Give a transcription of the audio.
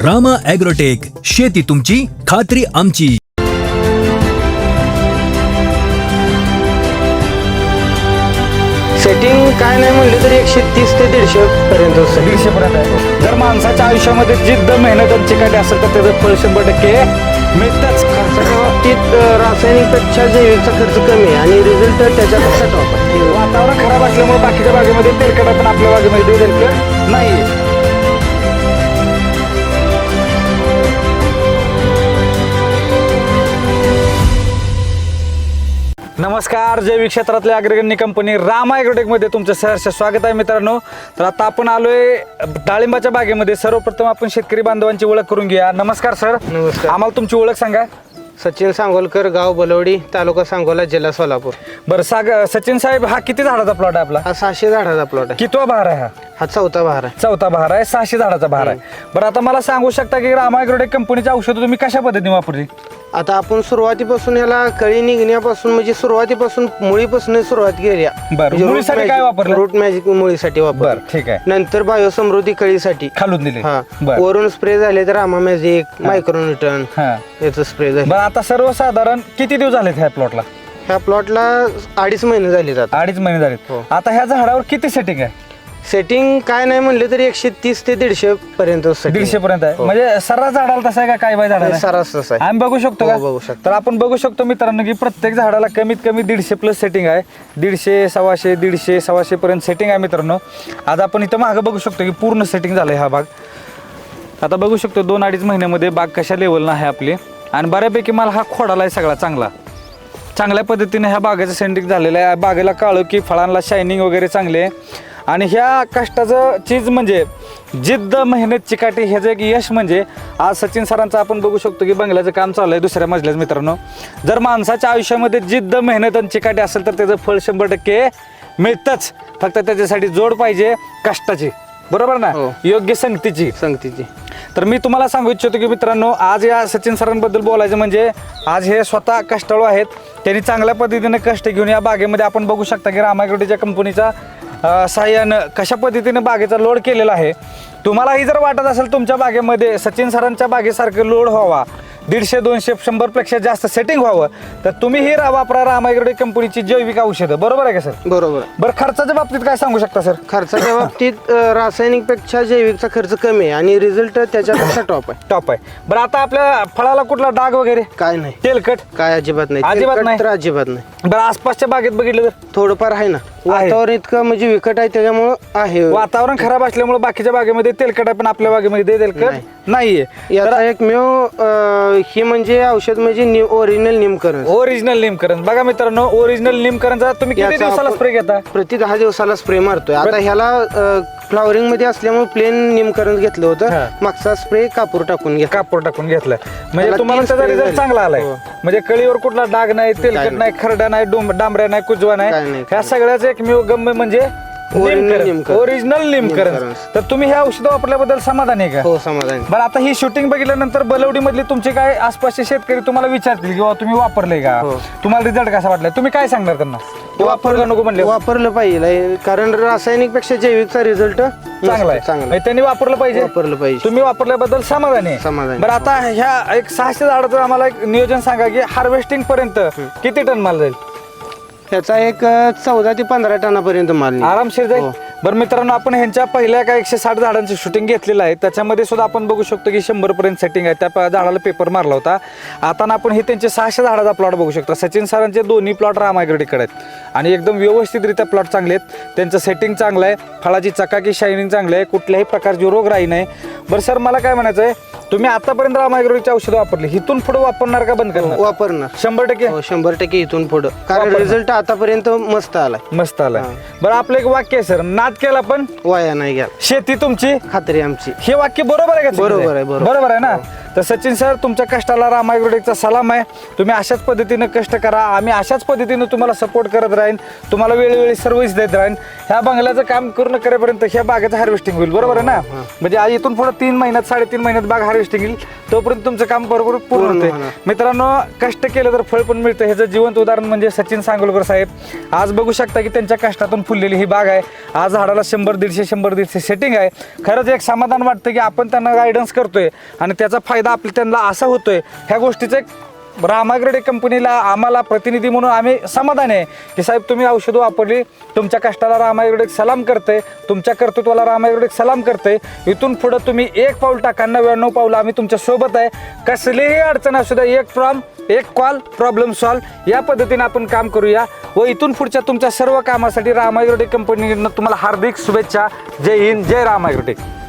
Rama agrotech, शेती तुमची, खात्री आमची. सेटिंग काय नाही म्हणलं तरी 130 ते 150 पर्यंत 150 पर्यंत आहे. जर माणसाच्या आयुष्यामध्ये जिद्द मेहनत आणि चिकाटी असेल तर त्याचं फळ 100% मिळतंच. खर्चाच्या बाबतीत रासायनिकपेक्षा जैविकचा खर्च कमी आहे आणि रिझल्ट त्याच्यापेक्षा टॉप आहे. वातावरण खराब असल्यामुळे बाकीच्या बागेमध्ये तेलकट पण आपल्या बागेमध्ये तेलकट नाही. नमस्कार, जैविक क्षेत्रातल्या अग्रगण्य कंपनी रामा ॲग्रोटेकमध्ये तुमचं सहर्ष स्वागत आहे मित्रांनो. तर आता आपण आलोय डाळिंबाच्या बागेमध्ये. सर्वप्रथम आपण शेतकरी बांधवांची ओळख करून घेऊया. नमस्कार सर. नमस्कार. आम्हाला तुमची ओळख सांगा. सचिन सांगोलकर, गाव बलवडी, तालुका सांगोला, जिल्हा सोलापूर. बरं सचिन साहेब, हा किती झाडाचा प्लॉट आहे आपला? हा 600 झाडाचा प्लॉट आहे. कितवा बहार आहे हा? हा 4था बहार आहे. चौथा बहार आहे. 600 झाडाचा बहार आहे. बरं, आता मला सांगू शकता की रामा ॲग्रोटेक कंपनीची औषधं तुम्ही कशा पद्धतीने वापरली? आता आपण सुरुवातीपासून याला कळी निघण्यापासून म्हणजे सुरुवातीपासून मुळीपासून सुरुवात केली. बरं, मुळीसाठी काय वापरलं? रूट मॅजिक मुळीसाठी वापर. बरं, ठीक आहे. नंतर बायोसमृद्धी कळीसाठी खालून दिले. हा. बरं वरून स्प्रे झाले तर रामा मॅजिक, मायक्रोन्यूटन हा. याचं स्प्रे झाले. बरं, आता सर्वसाधारण किती दिवस झालेत ह्या प्लॉटला? ह्या प्लॉटला 2.5 महिने झाले जातात. 2.5 महिने झालेत. हो. आता ह्या झाडावर किती सेटिंग आहे? सेटिंग काय नाही म्हणले तरी 130 ते 150 पर्यंत setting. 150 पर्यंत आहे. हो. म्हणजे सर्रास झाडाला तसं आहे का काय बाय झाडाला? सरास तसं आहे. आम्ही बघू शकतो हो, का? बघू शकतो. तर आपण बघू शकतो मित्रांनो की प्रत्येक झाडाला कमीत कमी 150 प्लस सेटिंग आहे. 150, 125, 150, 125 पर्यंत सेटिंग आहे मित्रांनो. आज आपण इथं मागं बघू शकतो की पूर्ण सेटिंग झालंय हा भाग. आता बघू शकतो 2-2.5 महिन्यामध्ये बाग कशा लेवलला आहे आपली. आणि बऱ्यापैकी मला हा खोडाला आहे सगळा चांगल्या पद्धतीने ह्या बागेचं सेटिंग झालेलं आहे. बागेला काळं की फळांना शायनिंग वगैरे चांगले आहे. आणि ह्या कष्टाचं चीज म्हणजे जिद्द, मेहनत, चिकाटी ह्याचं एक यश म्हणजे आज सचिन सरांचं आपण बघू शकतो की बंगल्याचं काम चालू आहे दुसऱ्या मजल्याच. मित्रांनो, जर माणसाच्या आयुष्यामध्ये जिद्द, मेहनत आणि चिकाटी असेल तर त्याचं फळ 100% मिळतंच. फक्त त्याच्यासाठी जोड पाहिजे कष्टाची, बरोबर ना? हो. योग्य संगतीची. तर मी तुम्हाला सांगू इच्छितो की मित्रांनो, आज या सचिन सरांबद्दल बोलायचं म्हणजे आज हे स्वतः कष्टाळू आहेत. त्यांनी चांगल्या पद्धतीने कष्ट घेऊन या बागेमध्ये आपण बघू शकता की रामा ॲग्रोटेकच्या कंपनीचा साह्यानं कशा पद्धतीने बागेचा लोड केलेला आहे. तुम्हालाही जर वाटत असेल तुमच्या बागेमध्ये सचिन सरांच्या बागेसारखं लोड व्हावा, 150, 200, 100 पेक्षा जास्त सेटिंग व्हावं, तर तुम्ही ही वापरा रामा ॲग्रोटेक कंपनीची जैविक औषधं. बरोबर आहे का सर? बरोबर. बरं, खर्चाच्या बाबतीत काय सांगू शकता सर? खर्चाच्या बाबतीत रासायनिकपेक्षा जैविकचा खर्च कमी आहे आणि रिझल्ट त्याच्यापेक्षा टॉप आहे. टॉप आहे. बरं, आता आपल्या फळाला कुठला डाग वगैरे, काय नाही, तेलकट काय अजिबात नाही. अजिबात तेलकट नाही? तर अजिबात नाही. बरं, आसपासच्या बागेत बघितलं तर थोडंफार आहे ना. वातावरण इतकं म्हणजे विकट आहे त्याच्यामुळं आहे. वातावरण खराब असल्यामुळे बाकीच्या बागेमध्ये तेलकट आहे पण आपल्या बागेमध्ये तेलकट नाहीये. याचा एकमेव ही म्हणजे औषध म्हणजे ओरिजिनल निमकरण. ओरिजिनल निमकरण. बघा मित्रांनो, ओरिजिनल निमकरणचा तुम्ही किती याचा दिवसाला आपण- स्प्रे घेता? प्रति 10 दिवसाला स्प्रे मारतोय. आता ह्याला फ्लॉवरिंग मध्ये असल्यामुळे प्लेन निमकरण घेतलं हा. होतं. मागचा स्प्रे कापूर टाकून घेतला. कापूर टाकून घेतलाय म्हणजे त्याला तुम्हाला 3 त्याचा spray रिझल्ट झाले. चांगला आलाय. हो. म्हणजे कळीवर कुठला डाग नाही, तेलकट नाही. नाही, खरडा नाही, डांबऱ्या नाही, कुजवा काय नाही. नाही. ह्या सगळ्याच एकमेव गम्य म्हणजे निमकरण. ओरिजिनल निमकरण. निमकरण. तर तुम्ही हे औषध वापरल्याबद्दल समाधानी आहे का? हो, समाधान. बरं, आता ही शूटिंग बघितल्यानंतर बलवडी मधले तुमचे काय आसपासचे शेतकरी तुम्हाला विचारतील किंवा तुम्ही वापरले का, हो. तुम्हाला रिझल्ट कसा वाटलाय, तुम्ही काय सांगणार त्यांना? वापर का नको म्हणले? वापरलं पाहिजे कारण रासायनिक पेक्षा जैविकचा रिझल्ट चांगला आहे. चांगला त्यांनी वापरलं पाहिजे. वापरलं पाहिजे. तुम्ही वापरल्याबद्दल समाधानी आहे? समाधानी. बरं, आता ह्या एक 600 झाडाचं आम्हाला एक नियोजन सांगा की हार्वेस्टिंग पर्यंत किती टन माल जाईल? त्याचा एक 14 ते 15 टनापर्यंत माल निघेल. आरामशीर जाईल. हो. बरं मित्रांनो, आपण ह्यांच्या पहिल्या काय 160 झाडांची शूटिंग घेतलेलं आहे. त्याच्यामध्ये सुद्धा आपण बघू शकतो की 100 पर्यंत सेटिंग आहे. त्या झाडाला पेपर मारला होता. आता आपण हे त्यांचे 600 झाडाचा प्लॉट बघू शकतो. सचिन सरांचे दोन्ही प्लॉट रामा ॲग्रोटेककडे आहेत आणि एकदम व्यवस्थितरित्या प्लॉट चांगले आहेत. त्यांचं सेटिंग चांगलं आहे, फळाची चकाकी शायनिंग चांगली आहे, कुठल्याही प्रकारची रोगराई नाही. बरं सर, मला काय म्हणायचं आहे, तुम्ही आतापर्यंत रामा ॲग्रोटेकची औषधं वापरली, इथून पुढे वापरणार का बंद करणार? वापरणार 100%. हो, 100% इथून पुढं कारण वापरणार. रिझल्ट आतापर्यंत मस्त आलाय. मस्त आलाय. बरं, आपलं एक वाक्य आहे सर, नाद केला पण वाया नाही घ्या, शेती तुमची, खात्री आमची. हे वाक्य बरोबर आहे का? बरोबर आहे, बरोबर. बरोबर आहे ना? तर सचिन सर, तुमच्या कष्टाला राम ॲग्रोटेकचा सलाम आहे. तुम्ही अशाच पद्धतीनं कष्ट करा, आम्ही अशाच पद्धतीनं तुम्हाला सपोर्ट करत राहीन, तुम्हाला वेळोवेळी सर्व्हिस देत राहीन. ह्या बंगल्याचं काम पूर्ण करेपर्यंत ह्या बागेचं हार्वेस्टिंग होईल, बरोबर आहे ना? म्हणजे आज इथून पुढे 3 महिन्यात 3.5 महिन्यात बाग हार्वेस्टिंग येईल, तोपर्यंत तुमचं काम बरोबर पूर्ण होते. मित्रांनो, कष्ट केलं तर फळ पण मिळतं, ह्याचं जिवंत उदाहरण म्हणजे सचिन सांगोलकर साहेब. आज बघू शकता की त्यांच्या कष्टातून फुललेली ही बाग आहे. आज झाडाला 100-150 सेटिंग आहे. खरंच एक समाधान वाटतं की आपण त्यांना गायडन्स करतोय आणि त्याचा फायदा त्यांना असा होतोय. ह्या गोष्टीचं एक राम ॲग्रोटेक कंपनीला, आम्हाला प्रतिनिधी म्हणून आम्ही समाधान आहे की साहेब तुम्ही औषधं वापरली, तुमच्या कष्टाला राम ॲग्रोटेक सलाम करते, तुमच्या कर्तृत्वाला राम ॲग्रोटेक सलाम करते. इथून पुढं तुम्ही 1 पाऊल टाका, 99 पाऊल आम्ही तुमच्या सोबत आहे. कसलीही अडचण असू द्या, एक कॉल प्रॉब्लेम सॉल्व, या पद्धतीने आपण काम करूया. व इथून पुढच्या तुमच्या सर्व कामासाठी राम ॲग्रोटेक कंपनीनं तुम्हाला हार्दिक शुभेच्छा. जय हिंद, जय राम ॲग्रोटेक.